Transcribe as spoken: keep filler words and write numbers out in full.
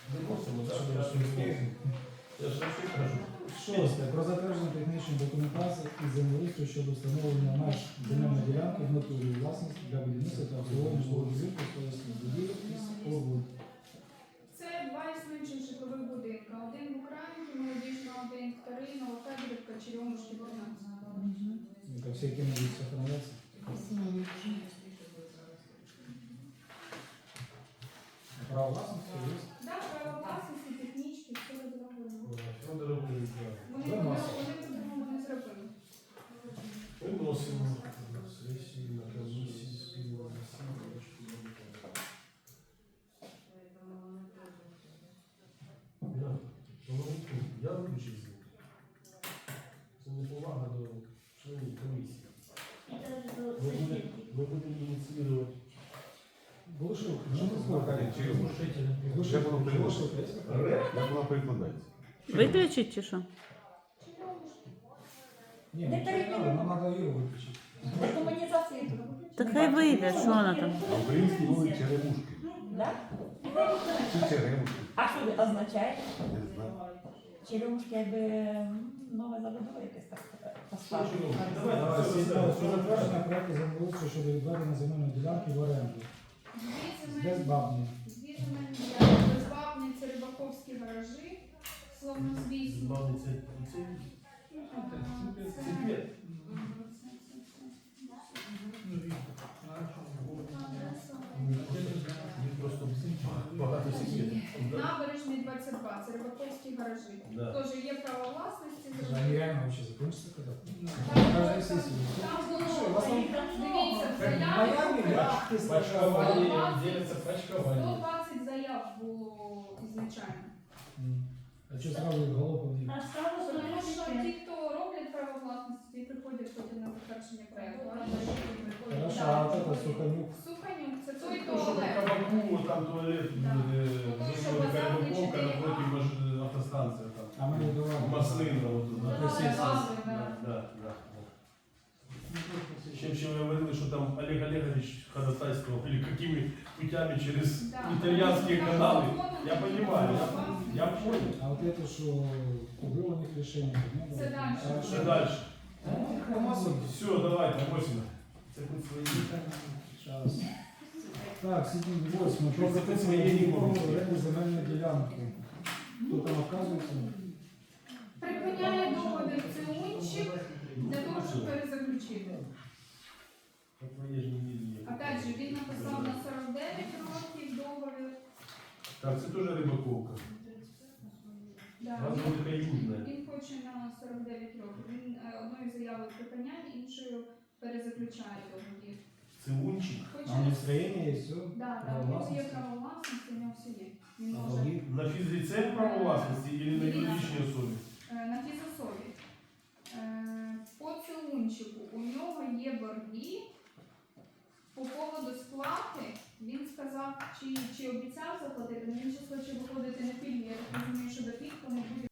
Виносимо, так? Що Я ж ж ви не знаєте? Я ж не кажу. Шосте. Про затвердження технічної документації із землеустрою щодо встановлення меж земельної ділянки в натурі власності для будівництва та обслуговування житлового будинку господарських будівель і споруд. Це два існуючих житлових будинка. Один в Українці, молодіжна, один вторий, Новофедорівка, Черемушки, Борнас. Это все, які будуть сохранятися. Право власності є. Да, право власності, технічки, все розроблено. Федоров, Вони Це по- маса. вони по-другому не зробили. Виносимо на сесію, на комісії, спільно на Я виключив звук. Це не повага до членів комісії. Ми будемо, ми будемо ініціювати. Глушилка. Ну, не слухай. Глушитель. Як воно прикладається? Глушилка. Як воно прикладається? Виключить чи що? Ні, Не не перебивай. треба, нам треба її виключити. Декомунізація. Та хай вийде, що вона там? На українській мові черемушки. Да? Чи черемушки? А що це означає? Не знаю. Черемушки, якби м, нове забудова якесь так поставлено. Давайте Давай, це сідемо. Про розглянемо. затвердження проекту землеустрою щодо відведення земельної ділянки в оренду. Дві Без земельні- бабні. Дві земельні ділянки. Безбабні це рибаковські гаражі, словнозвісні. Збавний це це- Це- це п'ять. Він просто багато секретів. Набережний двадцять два, це рибаковські гаражі. Да. Теж є право власності. Це ж вони реально вообще закончиться когда? Там Каждой сессии. там Що, було, у вас там- дивіться, в В Майамі заяві яхти Пачкування страховали. ділиться пачкування. сто двадцять заяв було ізначально. М. А що зразу галопом не... А стало Тому що ті, хто роблять право власності, ті приходять потім на затвердження проєкту. А наші тут приходять. Хорошо, Да. а вот это Суханюк. Суханюк, це той Ну, щоб туалет. кабаку, там туалет, Да. буде, Тому що зробили базарний кабаковка, чотири А. напротив маш- автостанція там. А мы не давали. Маслина, вот тут. Да, на да, сесії. бази, да. Да, да, да. Чем, чем я говорил, что там Олег Олегович ходатайствовал, или какими путями через Да. итальянские Там каналы. законом Я не понимаю, я, було. я понял. А вот это что, было у них решение? Не было? Це дальше. Хорошо. Что дальше? Ну, помазали. Все, давайте, восемь. Це хоч свої. Сейчас. Так, сидим восемь. Про Це закупку своєї нерухомого комісії. оренди земельної ділянки. Хто там оказується? Припиняє договір цеунчик для того, щоб перезаключити. Твої ж неділі. Опять же, він написав на сорок дев'ять років договір. Так, це теж рибаковка. Да. У вас буде така южна. Він хоче на сорок дев'ять років. Він е, одною заявою припиняє, іншою перезаключає договір. Це унчик. Хоче А настроєння є все? да, право да, у нього є власності? право власності, у нього все є. Він А може долги? На фізліце право власності или на юридичній особі? е, на фізособі. Е, По цеунчику у нього є борги. По поводу сплати він сказав, чи, чи обіцяв заплатити, але він ще хоче виходити на пільги. Я так розумію, що до пільг не буде.